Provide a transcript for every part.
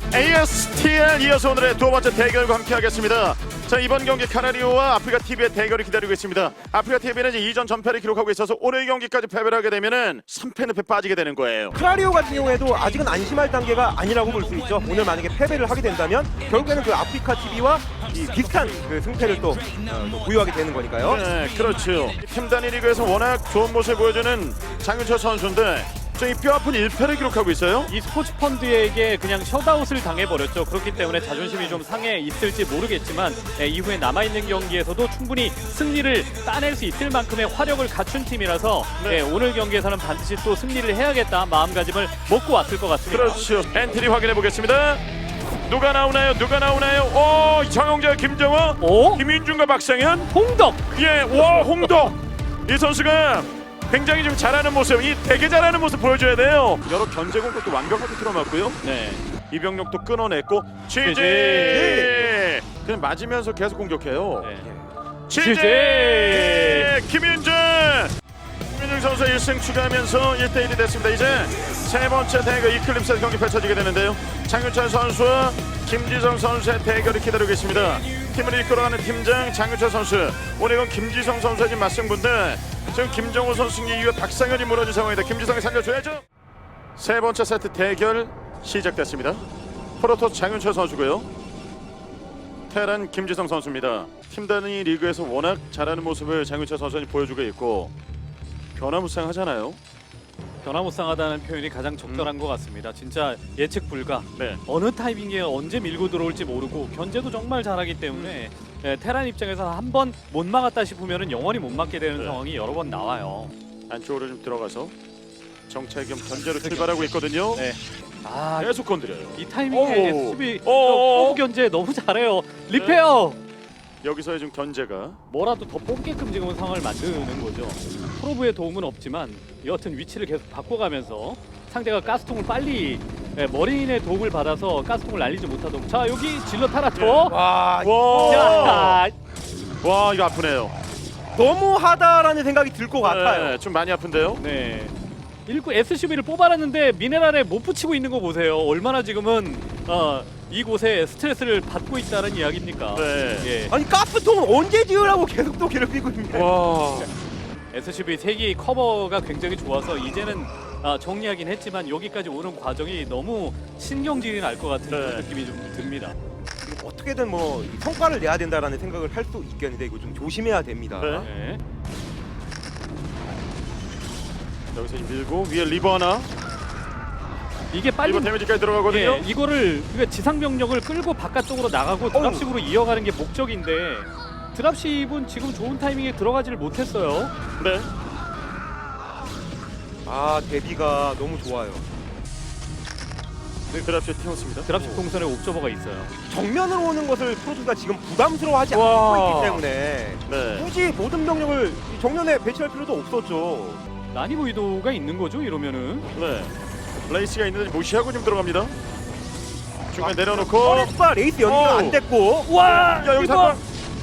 ASTL 이어서 오늘의 두 번째 대결과 함께하겠습니다. 자, 이번 경기 카나리오와 아프리카 TV의 대결이 기다리고 있습니다. 아프리카 TV는 이제 이전 전패를 기록하고 있어서 오늘 경기까지 패배를 하게 되면은 3패 늪에 빠지게 되는 거예요. 카나리오 같은 경우에도 아직은 안심할 단계가 아니라고 볼 수 있죠. 오늘 만약에 패배를 하게 된다면 결국에는 그 아프리카 TV와 비슷한 그 승패를 또 부여하게 되는 거니까요. 네, 그렇죠. 팀 단위 리그에서 워낙 좋은 모습을 보여주는 장윤철 선수인데 이 뼈아픈 1패를 기록하고 있어요. 이 스포츠 펀드에게 그냥 셧아웃을 당해버렸죠. 그렇기 때문에 자존심이 좀 상해 있을지 모르겠지만 이후에 남아있는 경기에서도 충분히 승리를 따낼 수 있을 만큼의 화력을 갖춘 팀이라서 오늘 경기에서는 반드시 또 승리를 해야겠다 마음가짐을 먹고 왔을 것 같습니다. 그렇죠. 엔트리 확인해 보겠습니다. 누가 나오나요? 누가 나오나요? 오, 정영재, 김정호, 김윤중과 박상현, 홍덕. 예, 와, 홍덕. 이 선수가 굉장히 좀 잘하는 모습, 이 되게 잘하는 모습 보여줘야 돼요. 여러 견제 공격도 완벽하게 틀어맞고요. 네. 이병력도 끊어냈고 취재 그냥 맞으면서 계속 공격해요. 네. 취재 김윤중 선수 1승 추가하면서 1대1이 됐습니다. 이제 세 번째 대결 이클립스 경기 펼쳐지게 되는데요. 장윤철 선수와 김지성 선수의 대결이 기다리고 있습니다. 팀을 이끌어가는 팀장 장윤철 선수, 오늘 이건 김지성 선수의 맞승부인데 지금 김정우 선수 승리 이후에 박상현이 무너진 상황이다. 김지성이 살려줘야죠. 세 번째 세트 대결 시작됐습니다. 프로토스 장윤철 선수고요. 테란 김지성 선수입니다. 팀 단위 리그에서 워낙 잘하는 모습을 장윤철 선수가 보여주고 있고 변화무쌍하잖아요. 변화무쌍하다는 표현이 가장 적절한 것 같습니다. 진짜 예측 불가. 네. 어느 타이밍에 언제 밀고 들어올지 모르고 견제도 정말 잘하기 때문에 테란 입장에서 한 번 못 막았다 싶으면 영원히 못 막게 되는 상황이 여러 번 나와요. 안쪽으로 좀 들어가서 정찰 겸 견제로 출발하고 있거든요. 네. 아, 계속 건드려요. 이 타이밍에 오. 수비 오. 견제 너무 잘해요. 리페어. 여기서의 좀 견제가 뭐라도 더 뽑게끔 지금 상황을 만드는 거죠. 프로브의 도움은 없지만 여하튼 위치를 계속 바꿔가면서 상대가 가스통을 빨리 머리인의 도움을 받아서 가스통을 날리지 못하도록. 자, 여기 질러 타라토. 와, 자, 와, 이거 아프네요. 너무하다라는 생각이 들 것 같아요. 네, 좀 많이 아픈데요. 네. 일구 SCV를 뽑아놨는데 미네랄에 못 붙이고 있는 거 보세요. 얼마나 지금은 이곳에 스트레스를 받고 있다는 이야기입니까? 네. 예. 아니 가스통은 언제 지으라고 계속 또 괴롭히고 있네. 와, SCV 3개의 커버가 굉장히 좋아서 이제는 정리하긴 했지만 여기까지 오는 과정이 너무 신경질이 날 것 같은 그런 느낌이 좀 듭니다. 어떻게든 뭐 성과를 내야 된다라는 생각을 할 수 있겠는데 이거 좀 조심해야 됩니다. 네. 네. 여기서 밀고 위에 리버 하나. 이게 빨리 리버 데미지까지 들어가거든요. 예, 이거를 그러니까 지상 병력을 끌고 바깥쪽으로 나가고 드랍십으로 이어가는 게 목적인데 드랍십은 지금 좋은 타이밍에 들어가지를 못했어요. 네. 아, 대비가 너무 좋아요. 네, 드랍시에 튀었습니다. 드랍십 동선에 옵저버가 있어요. 정면으로 오는 것을 프로토스가 지금 부담스러워하지 와. 않고 있기 때문에 네. 굳이 모든 병력을 이 정면에 배치할 필요도 없었죠. 난이도 의도가 있는 거죠, 이러면은. 네. 레이스가 있는데 무시하고 좀 들어갑니다. 중간에 내려놓고. 퍼렉스와 레이스 연기가 오. 안 됐고. 와, 야, 여기서 한 번.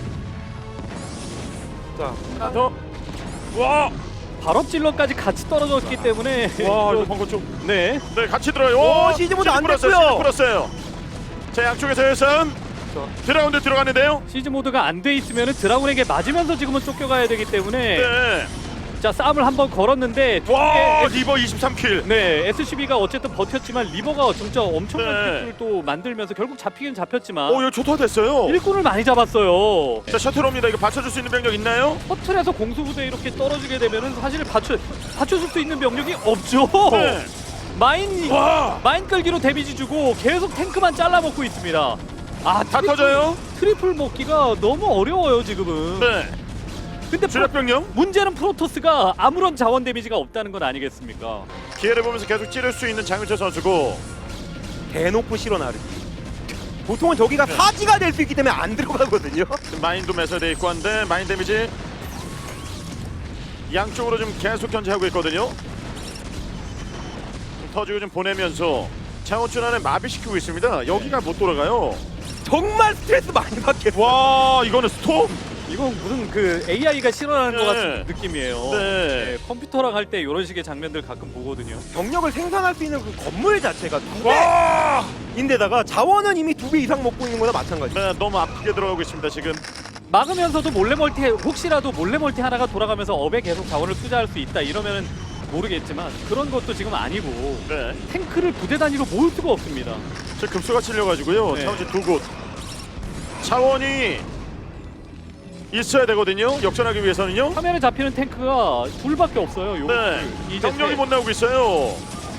자, 하나 더. 와. 발업 질러까지 같이 떨어졌기 때문에 와, 이거 방금 좀. 네. 네, 같이 들어요. 오, 시즈모드 안 됐고요. 시즈 풀었어요. 자, 양쪽에서 예선. 드라운드 들어갔는데요. 시즈 모드가 안 돼 있으면 드라군에게 맞으면서 지금은 쫓겨가야 되기 때문에 네. 자, 싸움을 한번 걸었는데 와, 리버 23킬. 네, SCB가 어쨌든 버텼지만 리버가 진짜 엄청난 네. 킬을 또 만들면서 결국 잡히긴 잡혔지만 오, 이거 초토화됐어요. 일꾼을 많이 잡았어요. 자, 셔틀 옵니다. 이거 받쳐줄 수 있는 병력 있나요? 허틀에서 공수부대 이렇게 떨어지게 되면은 사실 받쳐줄 수 있는 병력이 없죠. 네. 와. 마인 끌기로 데미지 주고 계속 탱크만 잘라먹고 있습니다. 아, 다 터져요? 트리플 먹기가 너무 어려워요 지금은. 네. 근데 주력 병력. 문제는 프로토스가 아무런 자원 데미지가 없다는 건 아니겠습니까? 기회를 보면서 계속 찌를 수 있는 장윤철 선수고. 대놓고 실어 나르기. 보통은 저기가 사지가 될 수 있기 때문에 안 들어가거든요. 지금 마인도 매설돼 있고 한데 마인 데미지 양쪽으로 좀 계속 견제하고 있거든요. 좀 터지고 좀 보내면서 차원춘환에 마비시키고 있습니다. 여기가 못 돌아가요. 정말 스트레스 많이 받겠어요. 와, 이거는 스톰? 이건 무슨 그 AI가 실현하는 것 네. 같은 느낌이에요. 네. 네, 컴퓨터랑 할 때 이런 식의 장면들 가끔 보거든요. 병력을 생산할 수 있는 그 건물 자체가 두 와! 배인데다가 자원은 이미 2배 이상 먹고 있는 거나 마찬가지. 네, 너무 아프게 들어가고 있습니다 지금. 막으면서도 몰래 멀티 혹시라도 몰래 멀티 하나가 돌아가면서 업에 계속 자원을 투자할 수 있다 이러면은 모르겠지만 그런 것도 지금 아니고 네. 탱크를 부대 단위로 모을 수가 없습니다. 저 급수가 찔려가지고요. 네. 차원지 두 곳. 차원이 있어야 되거든요. 역전하기 위해서는요. 화면에 잡히는 탱크가 둘밖에 없어요. 요 네. 이제 병력이 못 나오고 있어요.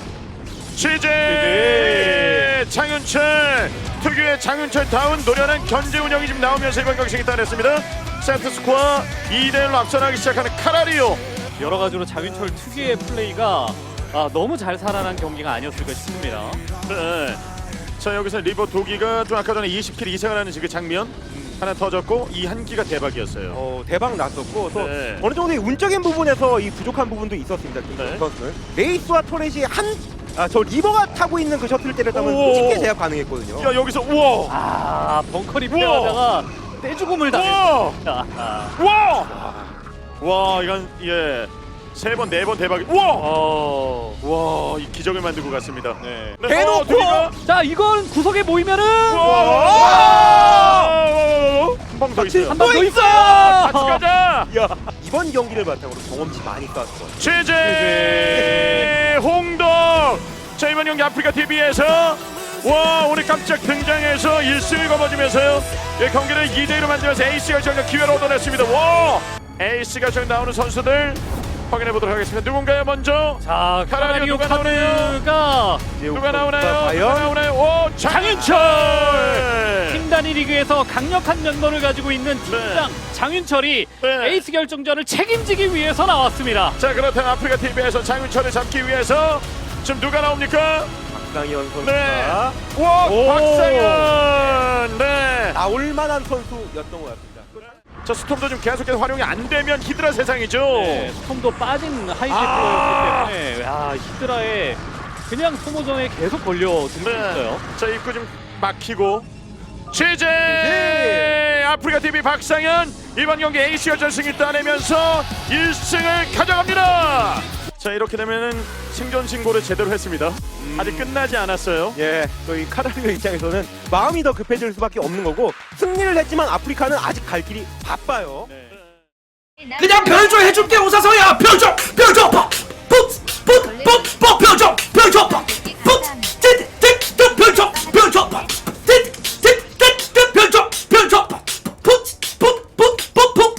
취재 장윤철 특유의 장윤철 다운 노련한 견제 운영이 지금 나오면서 이번 경기승이 따냈습니다. 센터스코어 2대1로 앞서나기 시작하는 카라리오. 여러 가지로 장윤철 특유의 플레이가 너무 잘 살아난 경기가 아니었을까 싶습니다. 네. 자 여기서 리버 도기가 좀 아까 전에 20킬 이상을 하는 그 장면 하나 터졌고 이 한 기가 대박이었어요. 대박 났었고 또 네. 어느 정도 의 운적인 부분에서 이 부족한 부분도 있었습니다. 네. 선수는 레이스와 토렛이 저 리버가 타고 있는 그 셔틀을 때렸다면 오. 쉽게 제압 가능했거든요. 야 여기서 우와 벙커 리페어하다가 떼죽음을 우와 당했습니다. 와 이건 예. 세 번, 네 번 대박이. 우와! 와, 이 기적을 만들고 갔습니다. 네. 대놓고! 두기가. 자, 이건 구석에 모이면은 한방 더 있어요. 한 방 더 있어요. 같이 가자. 야, 이번 경기를 바탕으로 경험치 많이 쌓았을 거예요. 최재 홍덕. 자 이번 경기 아프리카 TV에서 와 오늘 깜짝 등장해서 1승을 거머쥐면서요. 이 경기를 2대1로 만들면서 에이스가 정말 기회를 얻어냈습니다. 와 에이스가 정말 나오는 선수들 확인해 보도록 하겠습니다. 누군가요 먼저? 자, 카라리오 누가 나오나요? 카드가 누가 나오나요? 누가 과연? 나오나요? 오 장윤철. 팀 단위 리그에서 강력한 면모를 가지고 있는 팀장 장윤철이 네. 에이스 결정전을 책임지기 위해서 나왔습니다. 자 그렇다면 아프리카 TV에서 장윤철을 잡기 위해서 지금 누가 나옵니까? 박상현 선수가 네. 와 오. 박상현. 네. 나올 만한 선수였던 것 같습니다. 자 스톰도 좀 계속해서 활용이 안 되면 히드라 세상이죠. 네, 스톰도 빠진 하이제트였기 때문에 히드라에 그냥 소모전에 계속 걸려들 수 있어요. 자 입구 좀 막히고 취재 아프리카 TV 박상현 이번 경기 에이스 결승을 따내면서 1승을 가져갑니다. 자 이렇게 되면은 승전 신고를 제대로 했습니다. 아직 끝나지 않았어요. 예, 저희 카라리오 입장에서는 마음이 더 급해질 수밖에 없는 거고 승리를 했지만 아프리카는 아직 갈 길이 바빠요. 네. 그냥 별조 해줄게 오사서야 별조 별조 푹푹푹푹 별조 별조 푹푹 별조 별조 별조 별조 푹푹푹푹푹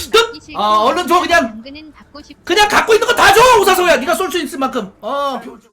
얼른 줘 그냥 갖고 있는 거 다 줘 오사서야 네가 쏠 수 있을 만큼 별조